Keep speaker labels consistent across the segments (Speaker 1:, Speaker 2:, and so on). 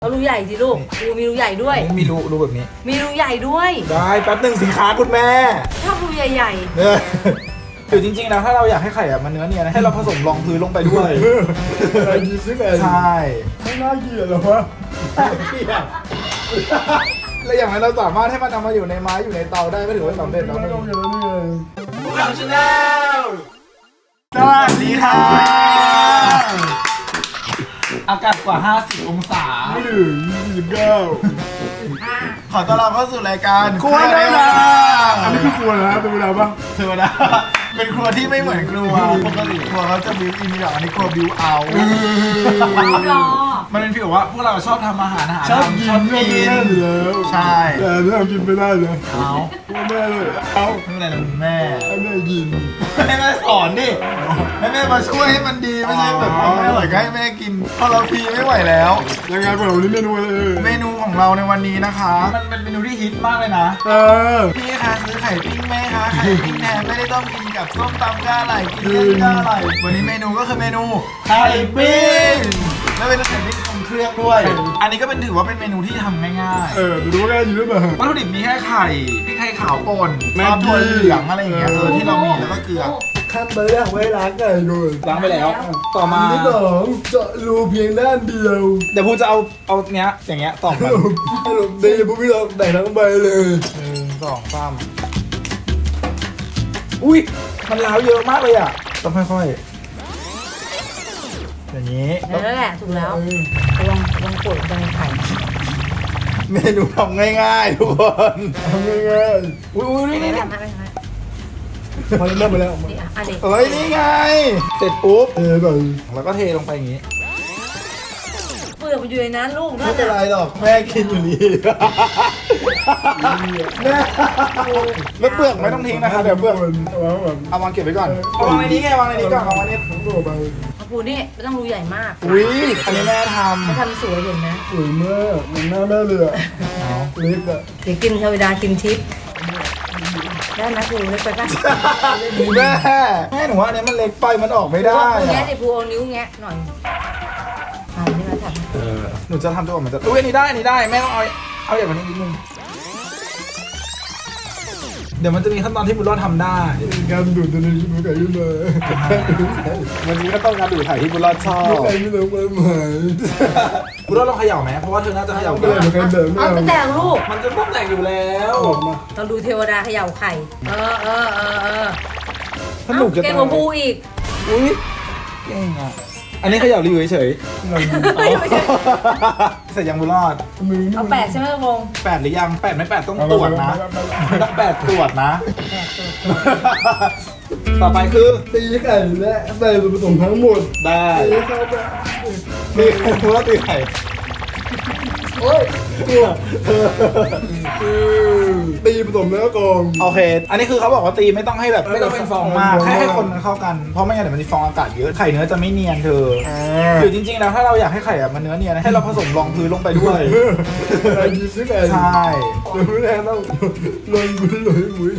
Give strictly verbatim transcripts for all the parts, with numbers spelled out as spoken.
Speaker 1: เอารูใหญ่สิลูกรูมีรูใหญ่ด้วย
Speaker 2: มีรูรูแบบนี้
Speaker 1: มีรูใหญ่ด้วย
Speaker 2: ได้แป๊บหนึ่งสินค้าคุณแม่
Speaker 1: ชอบรูใหญ่
Speaker 2: ๆเนี่ยหรือจริงๆนะถ้าเราอยากให้ไข่อะมันเนื้อเนียนให้เราผสมรองพื้นลงไปด้วย
Speaker 3: อะไรกินซิไง
Speaker 2: ใช่
Speaker 3: ไม่น่าเกลียดหรอวะ
Speaker 2: เกลียดแล้วอย่างนั้นเราสามารถให้มันเอามาอยู่ในไม้อยู่ในเตาได้ก็ถือว่าสำเร็จแล้วนี่พวกเราชาแนลสวัสดีค่ะอากาศกว่าห้าสิบองศา
Speaker 3: ไม่ถึงยี่สิบเก้า
Speaker 2: ขอต้อนรับเข้าสู่รายการ
Speaker 3: ครัวได้ละอันนี้คือครัวนะเป็นเวลาบ้าง
Speaker 2: เธอนะเป็นครัวที่ไม่เหมือนครัวปกติครัวเขาจะบิวอินมีแบบอันนี้ครัวบิวเอามันเป็นฟีลว่าพวกเราชอบทำอาหารอาหาร
Speaker 3: ชอบกินชอบกินอยู่แล้ว
Speaker 2: ใช่
Speaker 3: แต่ไม่เอากินไม่ได้เลย
Speaker 2: เอา
Speaker 3: แม่เลยเอา
Speaker 2: ไม่เป็นไรนะแม่
Speaker 3: ให้แม่กิน
Speaker 2: ให้แม่สอนดิให้แม่มาช่วยให้มันดีไม่ใช่แบบทำไม่อร่อยก็ให้แม่กินพอเราพีไม่ไหวแล้ว
Speaker 3: ยังไงพวกเราวันนี้เมนูอะไร
Speaker 2: เมนูของเราในวันนี้นะคะมันเป็นเมนูที่ฮิตมากเลยนะ
Speaker 3: เออ
Speaker 2: พี่คะซื้อไข่ปิ้งไหมคะไข่ปิ้งแทนไม่ได้ต้องกินกับส้มตำก้าไหลกินเล่นก้าไหลวันนี้เมนูก็คือเมนูไข่ปิ้งแล้วเป็นไข่ปิ้งทรงเครื่องด้วยอันนี้ก็เป็นถือว่าเป็นเมนูที่ทำง่ายๆ
Speaker 3: เออดูว่าง่ายอยู่หรือเปล่า
Speaker 2: วัตถุดิบมีแค่ไข่พริกไทยขาวป่นซอสถั่วเหลืองอะไรอย่างเงี้ยเออที่เรามีแล้วก็เกลือ
Speaker 3: ขั้นตอนแรกไว้ล้างไก่ก่อน
Speaker 2: ล้างไปแล้วต่อมา
Speaker 3: ที่สองเจาะรูเพียงด้านเดียว
Speaker 2: เดี๋ยวพูจะเอาเอาเนี้ยอย่างเงี้ยต่อกัน
Speaker 3: ให้ลงดีพวกพี่เราแบ่งทั้งใบเลย
Speaker 2: หนึ่งสองสามอุ้ยมันล้าวเยอะมากเลยอ่ะต้องค่อยๆอย่างนี้
Speaker 1: นั่นแหละถูกแล้วลองลองกดลงไข่
Speaker 2: เมนูทำง่ายๆทุกคน
Speaker 3: ทำง่าย
Speaker 2: ๆอุ้ยอุ้ยนี่นี่
Speaker 3: พอเริ่มไปแล้ว
Speaker 2: เอ้ยนี่ไงเสร็จปุ๊บ
Speaker 3: เทก่อน
Speaker 2: แล้วก็เทลงไปอย่างนี้
Speaker 1: เปลือกมันอยู่ในนั้นลูก
Speaker 2: ไม่เป็นไรหรอกแม่กินอยู่นี่แม่ไม่เปลือกไม่ต้องทิ้งนะคะเดี๋ยวเปลือกเอาวางเก็บไว้ก่อนเอาวางในนี้ไงวางในนี้ก่อนเอาวางในนี้
Speaker 3: ทั้งตัวไป
Speaker 1: ปูนี่ไม่ต้องรูใหญ่มาก
Speaker 2: อุ้ยอันนี้แม่ทำ
Speaker 1: เขาทำสวยเห็นไหม
Speaker 3: สวยมากมันหน้าแม่เลยอ่ะเล็กอ่ะ
Speaker 1: เดี๋ยวกินเทวดากินทิพย์ได้ไหมปูเล็กไปป่ะ
Speaker 2: แม่แม่หนูว่าอันนี้มันเล็กไปมันออกไม่ได้
Speaker 1: แงะดิปูเอานิ้วแงะหน่อยอ่านี่เราทำ
Speaker 2: เออหนูจะทำตัวเหมือนจะอุ้ยอันนี้ได้อันนี้ได้แม่ต้องเอาเอาอย่างนี้นิดนึงเดี๋ยวมันจะมีขั้นตอนที่บุญรอดทำได้
Speaker 3: การดูดตัวนี้มันไก่ขึ้นมา
Speaker 2: วันนี้ก็ต้องการดูดไข่ที่บุญรอดชอบ
Speaker 3: ไก่ไม่ต้องมาใหม่
Speaker 2: บุญรอดลองเขย่าไหมเพราะว่าเธอน่าจะเขย่า
Speaker 3: ไม่ได้เหมือนกันเดิม
Speaker 1: เอาไม่แตกลูก
Speaker 2: มันจะต้องแตกอยู่แล้ว
Speaker 1: เราดูเทวดาเขย่าไข่เออเออเออเออ
Speaker 2: สนุกจะ
Speaker 1: เก่งกว่าปูอีก
Speaker 2: อุ้ยเก่งอ่ะอันนี้เขย่ารีวิวเฉยเสร็จยังบุญรอด
Speaker 1: เอาแปดใช่ไหมวง
Speaker 2: แปดหรือยังแปดไม่แปดต้องตรวจนะต้องแปดตรวจนะต่อไปคือ
Speaker 3: ตีไก่และใส่ส่วนผสมทั้งหมด
Speaker 2: ได้ตีบุญรอดตีไข่
Speaker 3: โอ้ยตัวตีผสมแล้วกอง
Speaker 2: โอเคอันนี้คือเขาบอกว่าตีไม่ต้องให้แบบไม่ต้องเป็นฟองมากแค่ให้คนมันเข้ากันเพราะไม่งั้นเดี๋ยวมันจะฟองอากาศเยอะไข่เนื้อจะไม่เนียนเธอหรือจริงๆแล้วถ้าเราอยากให้ไข่อะมันเนื้อเนียนให้เราผสมรองพื้นลงไปด้วย
Speaker 3: อะไรกินซิไง
Speaker 2: ใช่
Speaker 3: เดี๋ยวแม่ต้องลงมือลงมือ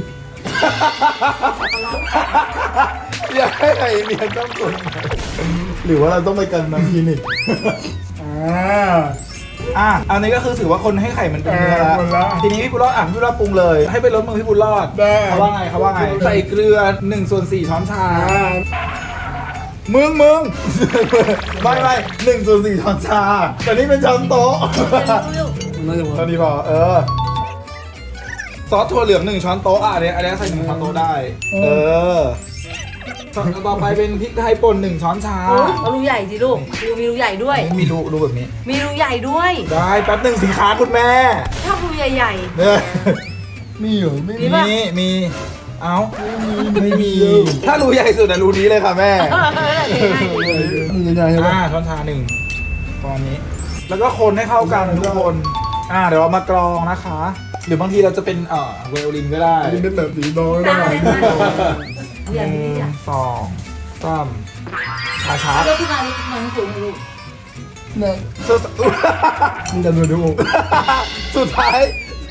Speaker 2: อยากให้ไข่เนียนต้องกดหรือว่าเราต้องไปกันน้ำคลินิก
Speaker 3: อ่า
Speaker 2: อ่ะอันนี้ก็คือถือว่าคนให้ไข่มันเป็นเนื้อแล้วทีนี้พี่บุญรอดอ่ะพี่บุญรอดปรุงเลยให้ไปลดมือพี่บุญรอดเขาว่าไงเขาว่าไงใส่เกลือหนึ่งส่วนสี่ช้อนชามึงมึงไม่ไม่หนึ่งส่วนสี่ช้อนชาแต่นี่เป็นช้อนโต๊ะตอนนี้พอเออซอสถั่วเหลืองหนึ่งช้อนโต๊ะอ่ะอันนี้อันนี้ใส่หนึ่งช้อนโต๊ะได้เออต่อไปเป็นพริกไทยป่นหนึ่งช้อนชา
Speaker 1: เอารูใหญ่สิลูกรูมีรูใหญ่ด้วย
Speaker 2: มีรูรูแบบนี้
Speaker 1: มีรูใหญ่ด้วย
Speaker 2: ได้แป๊บหนึ่งสินค้าคุณแม่
Speaker 1: ชอบรูใหญ่
Speaker 3: ๆมีเหรอไม่
Speaker 2: มีมีเอ้าไม่มีถ้ารูใหญ่สุดอะรูนี้เลยค่ะแม่
Speaker 3: ยังไง
Speaker 2: อ่าช้อนชาหนึ่งตอนนี้แล้วก็คนให้เข้ากันทุกคนอ่าเดี๋ยวเรามากรองนะคะหรือบางทีเราจะเป็นเอ่อเวลลินก็ได้
Speaker 3: เป็นแบบสีน้อยได้
Speaker 2: หนึ่งสองสามช้าช้า
Speaker 1: แล้วที่มาที่มันสูงลูก
Speaker 3: เนี่ยมันจะดูดู
Speaker 2: สุดท้าย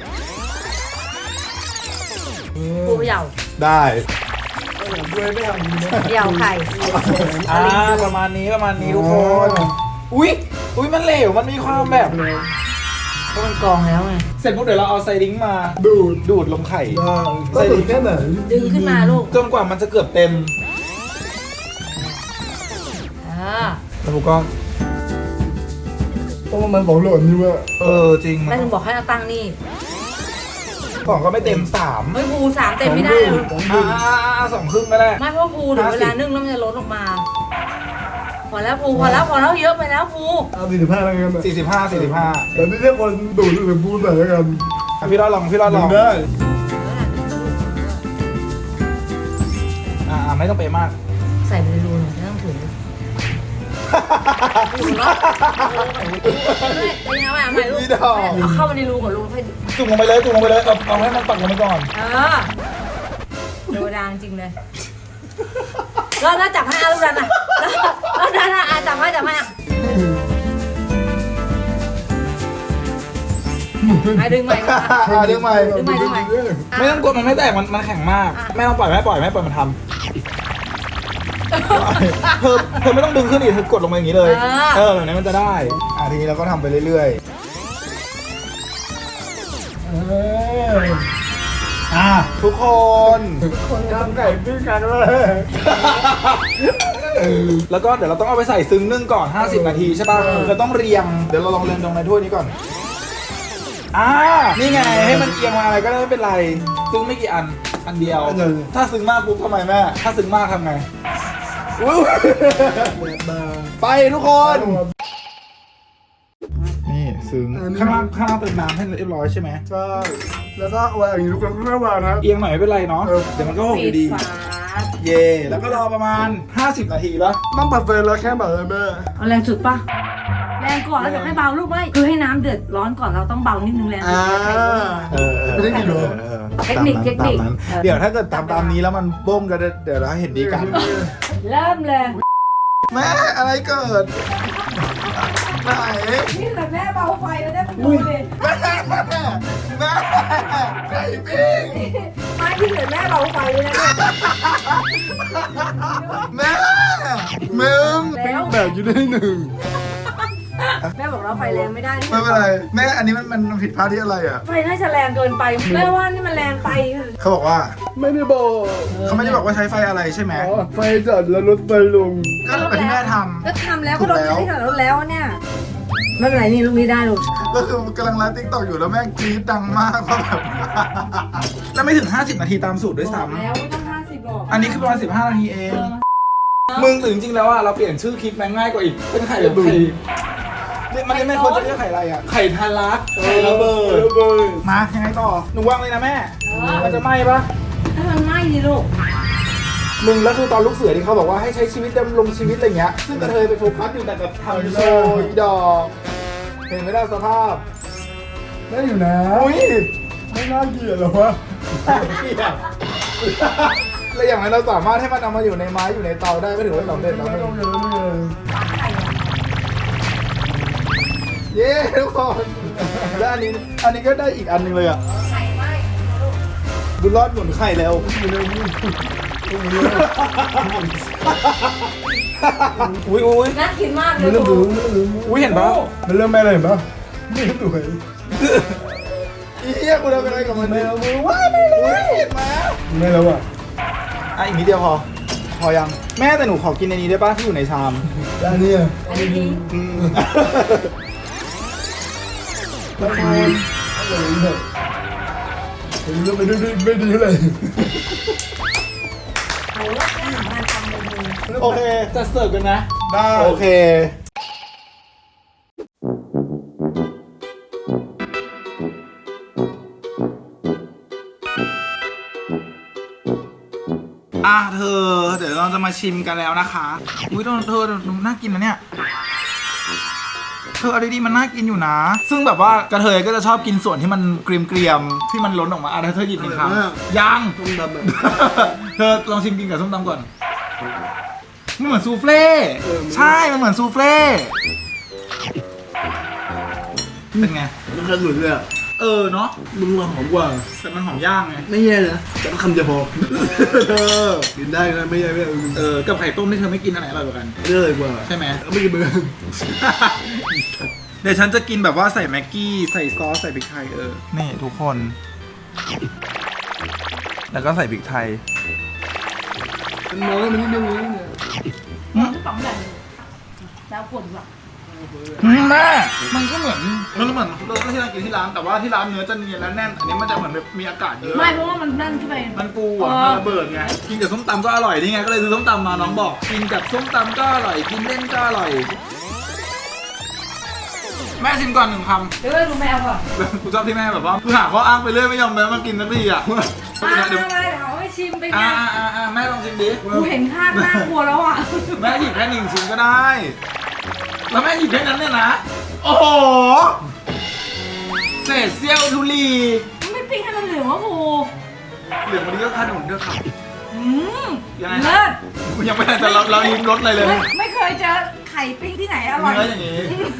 Speaker 1: ปูเหยา
Speaker 2: ได้
Speaker 3: ด้วยไม่ทำดีนะ
Speaker 1: เหยาไข่
Speaker 2: อ่าประมาณนี้ประมาณนี้ทุกคนอุ้ยอุ้ยมันเหลวมันมีความแบบ
Speaker 1: ก็มันกองแล้วไง
Speaker 2: เสร็จปุ๊บเดี๋ยวเราเอาไซริงมา
Speaker 3: ดูด
Speaker 2: ดูดลงไข่
Speaker 3: ได้ก็ดูดแค่ไหน
Speaker 1: ดึงขึ้นมาลูก
Speaker 2: จนกว่ามันจะเกือบเต็ม
Speaker 1: อ่า
Speaker 2: แล้วผมก็
Speaker 3: เพราะว่ามันของหล่นนี่ว่า
Speaker 2: เออจริง
Speaker 1: แม่ถึงบอกให้เอาตั้งนี่
Speaker 2: ของก็ไม่เต็มสาม
Speaker 1: เฮ้ยภูสามเต็มไม่ได้เลย
Speaker 3: ของ
Speaker 2: อ่า
Speaker 3: ดูด
Speaker 2: สองครึ่งก็ได้
Speaker 1: ไม่เพราะภูถึงเวลานึ่งแล้วมันจะลดออกมา พอแล้วภูพอแล้วพอแล้วเยอะไปแล้วภู
Speaker 3: เอาสี่สิบห้าแล้วกัน
Speaker 2: สี่สิบห้าสี่สิบห้า
Speaker 3: แต่ไม่ใช่คนดูดหรือพูดแต่แล้วกัน
Speaker 2: อ่ะพี่รอดลองพี่รอดลอง
Speaker 3: ได้
Speaker 2: อ่าไม่ต้องเป๊ะมาก
Speaker 1: ใส่ไปในรูหน่อยไม่ต้องถุงถุงเนาะไม่เป็นยังไงอ่ะไม่ลูก
Speaker 2: พี่ดอก
Speaker 1: เอาเข้าไปในรูก่อนลูกให้
Speaker 2: จุ่มลงไปเลยจุ่มลงไปเลยเอาเอาให้มันปักลงไปก่อน
Speaker 1: เออเทวดาจริงเลยแล้วแล้วจับให้อาลูกดันอ่ะแล้วดันอ่ะอ่ะจับให้จับให้อ่ะให้ดึงใหม่มา
Speaker 2: อ่าดึงใหม่
Speaker 1: ดึงใหม่ดึงใหม่
Speaker 2: ไม่ต้องกดมันไม่แตกมันมันแข็งมากแม่ต้องปล่อยแม่ปล่อยแม่ปล่อยมันทำเธอเธอไม่ต้องดึงขึ้นอีกเธอกดลงมาอย่างนี้เลย เออแบบนี้มันจะได้อ่ะทีนี้เราก็ทำไปเรื่อย
Speaker 3: เออ
Speaker 2: ๆอ่ะทุกคน
Speaker 3: คนทำไก่ปิ้งกันเลย
Speaker 2: แล้วก็เดี๋ยวเราต้องเอาไปใส่ซึ้งนึ่งก่อนห้าสิบนาทีใช่ป่ะเราต้องเรียงเดี๋ยวเราลองเรียงตรงในถ้วยนี้ก่อนอ่านี่ไงให้มันเอียงมาอะไรก็ได้ไม่เป็นไรซึ้งไม่กี่อันอันเดียว ถ้าซึ้งมากปุ๊บทำไมแม่ถ้าซึ้งมากทำไงอุ๊ยไปทุกคน นี่ซึ้งข้างล่างข้างล่างเติมน้ำให้เรียบร้อยใช่ไหม
Speaker 3: ใช่แล้วก็วางอย่างนี้ทุกคนก็วางครับ
Speaker 2: เอียงหน่อยไม่เป็นไรเนาะเดี๋ยวมันก็หกอยู่ดี
Speaker 1: ฝา
Speaker 2: เย่แล้วก็รอประมาณห้าสิบนาทีแล้ว
Speaker 3: ต้องปรับไฟแล้วแค่แบบเลยแม่
Speaker 1: เอาแรงสุดปะแรงก่อนแล้วเดี๋ยวให้เบาลูกไม่คือให้น้ำเดือดร้อนก่อนเราต้องเบานิดนึงแรงสุด
Speaker 3: อ่า
Speaker 2: เออ
Speaker 3: ไม่ได้กี่โล
Speaker 1: เทคนิคเทคนิค
Speaker 2: ตามนั้นเดี๋ยวถ้าเกิดตามตามนี้แล้วมันบ้งก็เดี๋ยวเราเห็นดีกัน
Speaker 1: เริ่มเลย
Speaker 2: แม่อะไรเกิดไหน
Speaker 1: นี่แหละแม่เบาไฟแล้วได้ประตูเลย
Speaker 2: แม่แม่ไก่ปิ้ง
Speaker 1: ไม่ที่เหลือแม่เบาไฟเลยนะ
Speaker 2: แม่มึง
Speaker 1: แล้ว
Speaker 3: แบบอยู่ได้หนึ่ง
Speaker 1: แม่บอกเราไฟแรงไม่ได้
Speaker 2: ไม่เป็นไรแม่อันนี้มันมันผิดพลาดที่อะไรอ่ะ
Speaker 1: ไฟน่าจะแรงเกินไปแม่ว่านี่มันแรงไป
Speaker 2: เขาบอกว่า
Speaker 3: ไม่ได้บอก
Speaker 2: เขาไม่ได้บอกว่าใช้ไฟอะไรใช่ไหม
Speaker 3: อ๋อไฟจัดแล้วรถไฟลง
Speaker 2: ก็แบบที่แม่ท
Speaker 1: ก็ทำแล้วก็ลดที่ขนาดลดแล้วเนี่ยไม่เป็นไรนี่ลูกนี้ได้ลูก
Speaker 2: ำก็คือกำลังไลฟ์ติ๊กต็อกอยู่แล้วแม่กรี๊ดดังมากเพราะแบบ แล้วไม่ถึงห้าสิบนาทีตามสูตรด้วยซ้
Speaker 1: แล้วไม่ต้องห้าสิบหรอก
Speaker 2: ำอันนี้คือประมาณสิบห้านาทีเอง มึงหรือจริงๆแล้วอ่ะเราเปลี่ยนชื่อคลิปแม่งง่ายกว่าอีกเป็นไข่แบบไข่เนี่ยมันไม่ควรจะเรียกไข่อะไรอ่ะไข่ทารักไข่ระเบิด
Speaker 3: ระเบิด
Speaker 2: มายังไงต่อหนูวางเลยนะแม่มันจะไหม้ปะ
Speaker 1: ถ้ามันไหม้ดิลูก
Speaker 2: มึงแล้วคือตอนลูกเสือที่เขาบอกว่าให้ใช้ชีวิตดำรงชีวิตอะไรเงี้ยซึ่งกระเทยไปโฟกัสอยู่แต่กับทำโชว์อีดอกเห็นไหมล่ะสภาพ
Speaker 3: ได้อยู่นะ
Speaker 2: อุ้ย
Speaker 3: ไม่น่าเกลียดหรอวะ
Speaker 2: เกลียดแล้วอย่างไรเราสามารถให้มันเอามาอยู่ในไม้อยู่ในเตาได้ก็ถือว่าสำเร็จแล้ว
Speaker 3: ไม่
Speaker 2: มึ
Speaker 3: ต้อง
Speaker 2: ง
Speaker 3: เยอะเลย
Speaker 2: เย้ทุกคนแล้วอันนี้อันนี้ก็ได้อีกอันหนึงเลยอ่ะ
Speaker 1: ไข่ไหม้ลูก
Speaker 2: บุญรอดหมุนไข่แล้ว อุ้ยอุ้ย
Speaker 1: น่ากินมากเล
Speaker 3: มัน
Speaker 1: ย
Speaker 3: เริ่ม
Speaker 1: ลู
Speaker 3: ดู
Speaker 1: ก
Speaker 3: มันเริ่มดู
Speaker 2: อุ้ยเห็นปะ
Speaker 3: มันเริ่มไม่อะไรเห็นปะไม่สวย
Speaker 2: อีเหี้ยกูทำอะไรกับมันเนี่ยมึงว้าไม่เลยเห็นไหม
Speaker 3: ไม่แล้วอ่ะ
Speaker 2: อ่ะอีกนิดเดียวพอ พอยังแม่แต่หนูขอกินในนี้ได้ป่ะที่อยู่ในชาม
Speaker 3: แล้วอันนี้อ่ะ
Speaker 1: อันนี้ทิ้ง
Speaker 2: อืม
Speaker 3: แล้วคนอะไรเนี่ยเห็นเรื่องไปด้วยไม่ดีเลย
Speaker 1: โอ้ยแม่ทำงานทำเลยมือ
Speaker 2: โอเคจะเสิร์ฟกันนะ
Speaker 3: ได้
Speaker 2: โอเคอ่ะเธอเดี๋ยวเราจะมาชิมกันแล้วนะคะอุ้ยเธอเธอน่ากินนะเนี่ยเธออะไรดีมันน่ากินอยู่นะ ซึ่งแบบว่ากระเทยก็จะชอบกินส่วนที่มันเกรียมๆที่มันล้นออกมาอ่ะเธอหยิบหนึ่งคำยัง
Speaker 3: ต้มดำอ่ะ
Speaker 2: เธอลองชิมกินกับส้มตำก่อนมันเหมือนซูเฟ่ใช่มันเหมือนซูเฟ่เป็นไง
Speaker 3: มันขนุนเลยอ่ะ
Speaker 2: เออเนาะ
Speaker 3: มึงมาหอมกว่า
Speaker 2: แต่มันหอมย่างไง
Speaker 3: ไม่แย่นะแต่ก็คำจะพอเออกินได้นะไม่แย่ไม่แย่
Speaker 2: เออกับไข่ต้มที่เธอไม่กินอันไหนอร่อยกว่ากัน
Speaker 3: เรื่อยกว่า
Speaker 2: ใช่ไหม
Speaker 3: ไม่กินเหมือนกัน
Speaker 2: เดี๋ยวฉันจะกินแบบว่าใส่แม็กกี้ใส่ซอสใส่พริกไทยเออนี่ทุกคน แล้วก็ใส่พริกไทย
Speaker 3: มันมองแล้วมันนิดนึงนิดนึง
Speaker 1: มันทุกสองอย่างแล้วปวดแบบ
Speaker 2: แม่มันก็เหมือนมันก็เหมือนเราที่เรากินที่ร้านแต่ว่าที่ร้านเนื้อจะเนียนและแน่นอันนี้มันจะเหมือนแบบมีอากาศเยอะ
Speaker 1: ไม่เพราะว่ามันนั่นขึ้นไป
Speaker 2: มันปูอ่ะมันระเบิดไงกินกับส้มตำก็อร่อยนี่ไงก็เลยซื้อส้มตำมาน้องบอกกินกับส้มตำก็อร่อยกินเล่นก็อร่อยแม่ชิมก่อนหนึ่งคำ
Speaker 1: เดี๋ยวดูแมวก่อน
Speaker 2: กูชอบที่แม่แบบว่าคือหาข้ออ้างไปเรื่อยไม่ยอมแม้มากินสักทีอ่ะ
Speaker 1: มา
Speaker 2: เดี๋ยว
Speaker 1: มาเดี๋ยวให้ชิมไปไง
Speaker 2: อ่าอ่าอ่าแม่ลองชิมดิ
Speaker 1: กูเห็นข้างน่ากลัวแล้วอ่ะ
Speaker 2: แม่หยิบแค่หนึ่งชิ้นก็ได้ แล้วแม่หยิบแค่นั้นเนี่ยนะ โอ้โหเศษเสี้ยวทุลี
Speaker 1: มันไม่ปิ้งให้มันเหลืองวะกู
Speaker 2: เหลืองวันนี้ก็ขนุนด้วยครับ
Speaker 1: อืม
Speaker 2: ยังไง
Speaker 1: เลิศ
Speaker 2: ยังไม่ได้จะเราเราลิ้มรสอะไรเลย
Speaker 1: ไม่ไม่เคยเจอไข่ปิ้งที่ไหนอร่อย
Speaker 2: เนื้ออย่างนี้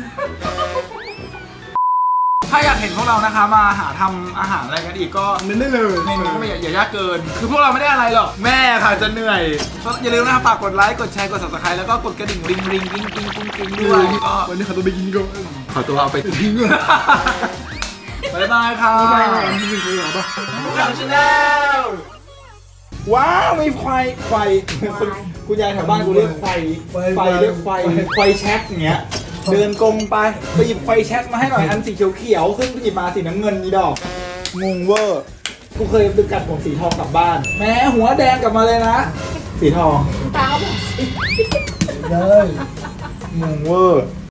Speaker 2: ถ้าอยากเห็นพวกเรานะคะมาหาทำอาหารอะไรกันอีกก็
Speaker 3: มันได้เลย
Speaker 2: เมนูก็ไม่อย่าอย่ายากเกิน คือพวกเราไม่ได้อะไรหรอก แม่ค่ะจะเหนื่อยก็อย่าลืมนะครับฝากกดไลค์ กดแชร์ กด ซับสไครบ์ แล้วก็กดกระดิ่งริงริงกิ้งกิ้งกิ้งกิ้งด้วยก็
Speaker 3: วันนี้เขาต้องไปกินก่อน
Speaker 2: ขอตัวเอาไปทิ้งบ๊ายบายค่ะ
Speaker 3: ไปหาที่กินไปหรอปะ
Speaker 2: ข่าวชาแนลว้าวมีไฟไฟคุณคุณยายแถวบ้านกูเรียกไฟไฟเรียกไฟไฟแช็กอย่างเงี้ยเดินกงไปไปหยิบไฟแช็กมาให้หน่อยอันสีเขียวๆซึ่งหยิบมาสีน้ำเงินนี่ดอกงงเวอร์กูเคยดึงกัดผมสีทองกลับบ้านแม้หัวแดงกลับมาเลยนะ สีทอง
Speaker 1: ตาบอกสิ
Speaker 3: ได้
Speaker 2: งงเวอร์